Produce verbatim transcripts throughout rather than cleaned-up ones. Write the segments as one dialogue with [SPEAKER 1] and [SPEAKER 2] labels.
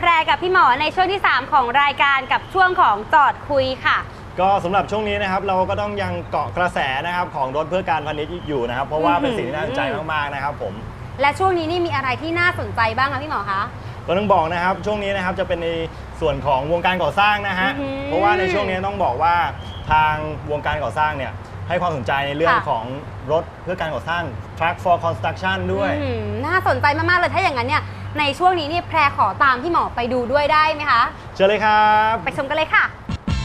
[SPEAKER 1] แพรกับพี่หมอในช่วงที่สามของรายการกับช่วงของจอดคุยค่ะ
[SPEAKER 2] ก็สำหรับช่วงนี้นะครับเราก็ต้องยังเกาะกระแสนะครับของรถเพื่อการพาณิชย์อยู่นะครับเพราะว่าเป็นสิ่งที่น่าสนใจมากๆนะครับผม
[SPEAKER 1] และช่วงนี้นี่มีอะไรที่น่าสนใจบ้างคะพี่หมอคะ
[SPEAKER 2] ก็ต้องบอกนะครับช่วงนี้นะครับจะเป็นในส่วนของวงการก่อสร้างนะฮะเพราะว่าในช่วงนี้ต้องบอกว่าทางวงการก่อสร้างเนี่ยให้ความสนใจในเรื่องของรถเพื่อการก่อสร้าง Truck for Construction ด้วย
[SPEAKER 1] น่าสนใจมากๆเลยถ้าอย่างนั้นเนี่ยในช่วงนี้นี่แพรขอตามพี่หมอไปดูด้วยได้ไหมคะ
[SPEAKER 2] เชิญเลยครับ
[SPEAKER 1] ไปชมกันเลยค่ะ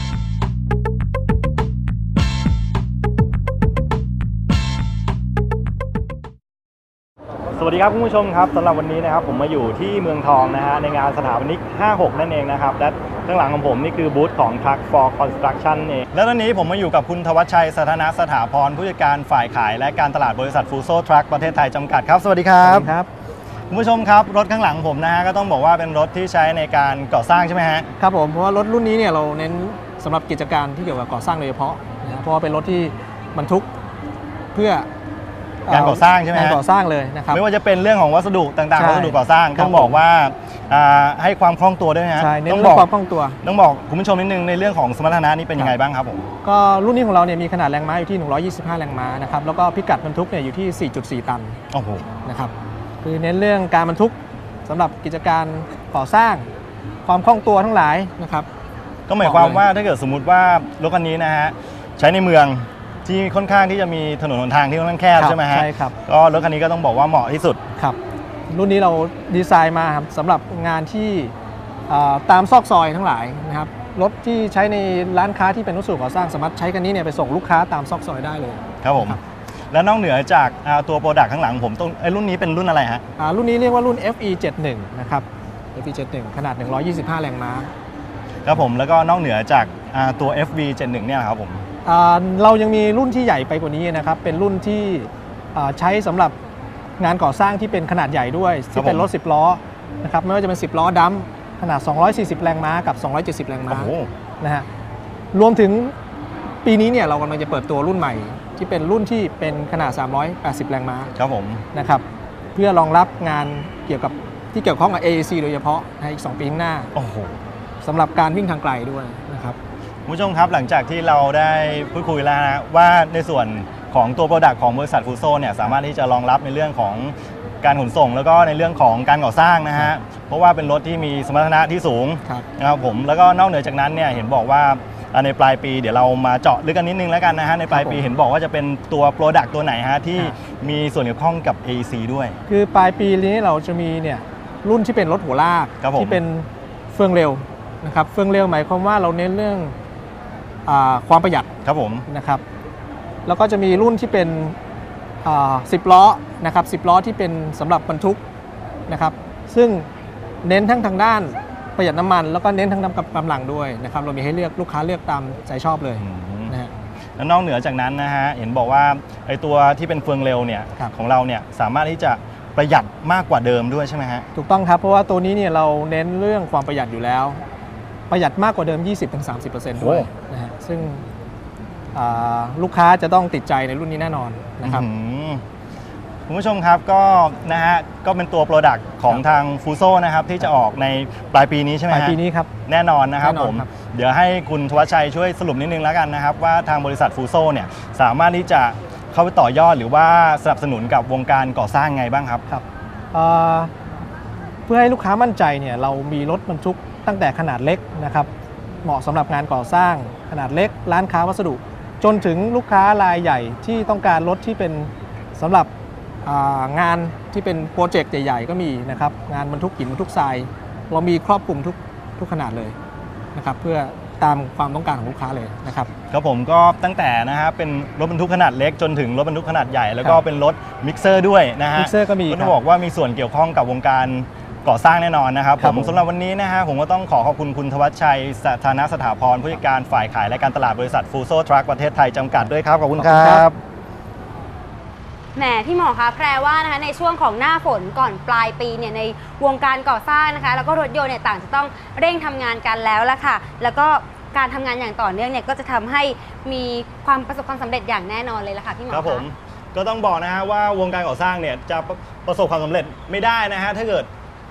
[SPEAKER 2] สวัสดีครับคุณผู้ชมครับสำหรับวันนี้นะครับผมมาอยู่ที่เมืองทองนะฮะในงานสถาปนิกห้าหกนั่นเองนะครับและข้างหลังของผมนี่คือบูธของ Truck for Construction เองแล้วตอนนี้ผมมาอยู่กับคุณธวัชชัยสถานะสถาพรผู้จัดการฝ่ายขายและการตลาดบริษัทฟูโซทรัคประเทศไทยจำกัดครับสวัสดีครับ
[SPEAKER 3] ครับ
[SPEAKER 2] คุณผู้ชมครับรถข้างหลังผมนะฮะก็ต้องบอกว่าเป็นรถที่ใช้ในการก่อสร้างใช่ไหมฮะ
[SPEAKER 3] ครับผมเพราะว่ารถรุ่นนี้เนี่ยเราเน้นสำหรับกิจการที่เกี่ยวกับก่อสร้างโดยเฉพาะนะเพราะว่าเป็นรถที่บรรทุกเพื่อ
[SPEAKER 2] การก่อสร้างใช่ไหม
[SPEAKER 3] การก่อสร้างเลยนะครับ
[SPEAKER 2] ไม่ว่าจะเป็นเรื่องของวัสดุต่างๆวัสดุก่อสร้างต้องบอกว่าให้ความคล่องตัวด้วยนะ
[SPEAKER 3] ใช่เน้นเรื่องความคล่องตัว
[SPEAKER 2] ต้องบอกคุณผู้ชมนิดนึงในเรื่องของสมรรถนะนี้เป็นยังไงบ้างครับผม
[SPEAKER 3] ก็รุ่นนี้ของเราเนี่ยมีขนาดแรงม้าอยู่ที่หนึ่งร้อยยี่สิบห้าแรงม้านะครับแล้วก็พิกัดบรรทุกเนี่ยอยู่ที่ สี่จุดสี่ ตัน
[SPEAKER 2] โอ้โห
[SPEAKER 3] นะครับคือเน้นเรื่องการบรรทุกสำหรับกิจการก่อสร้างความคล่องตัวทั้งหลายนะครับ
[SPEAKER 2] ก็หมายความว่าถ้าเกิดสมมุติว่ารถคันนี้นะฮะใช้ในเมืองที่ค่อนข้างที่จะมีถนนหนทางที่ค่อนข้างแคบใช่ไหมฮะ
[SPEAKER 3] ใช่ครับ
[SPEAKER 2] ก็รถคันนี้ก็ต้องบอกว่าเหมาะที่สุด
[SPEAKER 3] ครับรุ่นนี้เราดีไซน์มาครับสำหรับงานที่ตามซอกซอยทั้งหลายนะครับรถที่ใช้ในร้านค้าที่เป็นวัสดุก่อสร้างสามารถใช้กันนี้เนี่ยไปส่งลูกค้าตามซอกซอยได้เลย
[SPEAKER 2] ครับผมแล้วนอกเหนือจากตัวโปรดักต์ข้างหลังผมต้องไอ้รุ่นนี้เป็นรุ่นอะไรฮะ
[SPEAKER 3] รุ่นนี้เรียกว่ารุ่น เอฟ อี เจ็ดสิบเอ็ด นะครับ เอฟ อี เจ็ดสิบเอ็ด ขนาดหนึ่งร้อยยี่สิบห้าแรงม้า
[SPEAKER 2] ครับผมแล้วก็นอกเหนือจากตัว เอฟ วี เจ็ดสิบเอ็ด เนี่ยครับผม
[SPEAKER 3] เรายังมีรุ่นที่ใหญ่ไปกว่านี้นะครับเป็นรุ่นที่ใช้สำหรับงานก่อสร้างที่เป็นขนาดใหญ่ด้วยที่เป็นรถสิบล้อนะครับไม่ว่าจะเป็นสิบล้อดัมขนาดสองร้อยสี่สิบแรงม้ากับสองร้อยเจ็ดสิบแรงม้านะฮะรวมถึงปีนี้เนี่ยเรากำลังจะเปิดตัวรุ่นใหม่ที่เป็นรุ่นที่เป็นขนาดสามร้อยแปดสิบแรงม้า
[SPEAKER 2] ครับผม
[SPEAKER 3] นะครับเพื่อรองรับงานเกี่ยวกับที่เกี่ยวข้องกับ เอ เอ ซี โดยเฉพาะในอีกสองปีข้างหน้า
[SPEAKER 2] โอ้โห
[SPEAKER 3] สำหรับการวิ่งทางไกลด้วยนะครับ
[SPEAKER 2] คุณผู้ชมครับหลังจากที่เราได้พูดคุยแล้วนะว่าในส่วนของตัวโปรดักต์ของบริษัทฟูโซเนี่ยสามารถที่จะรองรับในเรื่องของการขนส่งแล้วก็ในเรื่องของการก่อสร้างนะฮะเพราะว่าเป็นรถที่มีสมรรถนะที่สูงนะครับผมแล้วก็นอกเหนือจากนั้นเนี่ยเห็นบอกว่าในปลายปีเดี๋ยวเรามาเจาะลึกกันนิดนึงแล้วกันนะฮะในปลายปีเห็นบอกว่าจะเป็นตัวโปรดักต์ตัวไหนฮะที่มีส่วนเกี่ยวข้องกับ เอ อี ซี ด้วย
[SPEAKER 3] คือปลายปีนี้เราจะมีเนี่ยรุ่นที่เป็นรถหัวลากที่เป็นเฟืองเร็วนะครับเฟืองเร็วหมายความว่าเราเน้นเรื่องความประหยัด
[SPEAKER 2] ครับผม
[SPEAKER 3] นะครับแล้วก็จะมีรุ่นที่เป็นสิบล้อนะครับสิบล้อที่เป็นสำหรับบรรทุกนะครับซึ่งเน้นทั้งทางด้านประหยัดน้ำมันแล้วก็เน้นทั้งน้ำกำลังด้วยนะครับเรามีให้เลือกลูกค้าเลือกตามใจชอบเลยนะฮะ
[SPEAKER 2] แล้วนอกเหนือจากนั้นนะฮะเห็นบอกว่าไอ้ตัวที่เป็นเฟืองเร็วเนี่ยของเราเนี่ยสามารถที่จะประหยัดมากกว่าเดิมด้วยใช่ไหมฮะ
[SPEAKER 3] ถูกต้องครับเพราะว่าตัวนี้เนี่ยเราเน้นเรื่องความประหยัดอยู่แล้วประหยัดมากกว่าเดิม ยี่สิบถึงสามสิบเปอร์เซ็นต์ ด้วยนะฮะซึ่งลูกค้าจะต้องติดใจในรุ่นนี้แน่นอนนะครับ
[SPEAKER 2] คุณผู้ชมครับก็นะฮะก็เป็นตัวโปรดักต์ของทางฟูโซนะครับที่จะออกในปลายปีนี้ใช่ไหมฮะ
[SPEAKER 3] ปลายปีนี้ครับ
[SPEAKER 2] แน่นอนนะครับผมเดี๋ยวให้คุณธวัชชัยช่วยสรุปนิดนึงแล้วกันนะครับว่าทางบริษัทฟูโซเนี่ยสามารถที่จะเข้าไปต่อยอดหรือว่าสนับสนุนกับวงการก่อสร้างไงบ้างครับ
[SPEAKER 3] ครับเพื่อให้ลูกค้ามั่นใจเนี่ยเรามีรถบรรทุกตั้งแต่ขนาดเล็กนะครับเหมาะสำหรับงานก่อสร้างขนาดเล็กร้านค้าวัสดุจนถึงลูกค้ารายใหญ่ที่ต้องการรถที่เป็นสำหรับงานที่เป็นโปรเจกต์ใหญ่ๆก็มีนะครับงานบรรทุกหินบรรทุกทรายเรามีครอบคลุมทุกทุกขนาดเลยนะครับเพื่อตามความต้องการของลูกค้าเลยนะครับ
[SPEAKER 2] ครับผมก็ตั้งแต่นะฮะเป็นรถบรรทุกขนาดเล็กจนถึงรถบรรทุกขนาดใหญ่แล้วก็เป็นรถมิกเซอร์ด้วยนะฮะ
[SPEAKER 3] มิกเซอร์ก็มี
[SPEAKER 2] ก็ต้องบอกว่ามีส่วนเกี่ยวข้องกับวงการก่อสร้างแน่นอนนะครับผมสำหรับวันนี้นะฮะผมก็ต้องขอขอบคุณคุณธวัชชัยสถานะสถาพรผู้จัดการฝ่ายขายและการตลาดบริษัทฟูโซทรัคประเทศไทยจำกัดด้วยครับขอบคุณครับ
[SPEAKER 1] แหมพี่หมอคะแปลว่านะคะในช่วงของหน้าฝนก่อนปลายปีเนี่ยในวงการก่อสร้างนะคะแล้วก็รถยนต์เนี่ยต่างจะต้องเร่งทำงานกันแล้วละค่ะแล้วก็การทำงานอย่างต่อเนื่องเนี่ยก็จะทำให้มีความประสบความสำเร็จอย่างแน่นอนเลยละค่ะพี่หมอ
[SPEAKER 2] ครับผมก็ต้องบอกนะฮะว่าวงการก่อสร้างเนี่ยจะประสบความสำเร็จไม่ได้นะฮะถ้าเกิด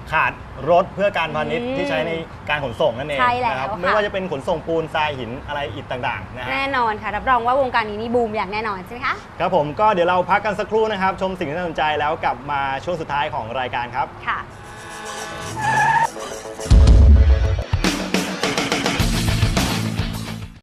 [SPEAKER 2] ขาดรถเพื่อการพาณิชย์
[SPEAKER 1] อืม
[SPEAKER 2] ที่ใช้ในการขนส่งนั่นเอง
[SPEAKER 1] ใช่แล้ว
[SPEAKER 2] นะครับ
[SPEAKER 1] ค่ะ
[SPEAKER 2] ไม่ว่าจะเป็นขนส่งปูนทรายหินอะไรอิฐต่างๆนะฮะ
[SPEAKER 1] แน่นอนค่ะรับรองว่าวงการนี้นี่บูมอย่างแน่นอนใช่ไหมคะ
[SPEAKER 2] ครับผมก็เดี๋ยวเราพักกันสักครู่นะครับ ชมสิ่งที่น่าสนใจแล้วกลับมาช่วงสุดท้ายของรายการครับ
[SPEAKER 1] ค่ะ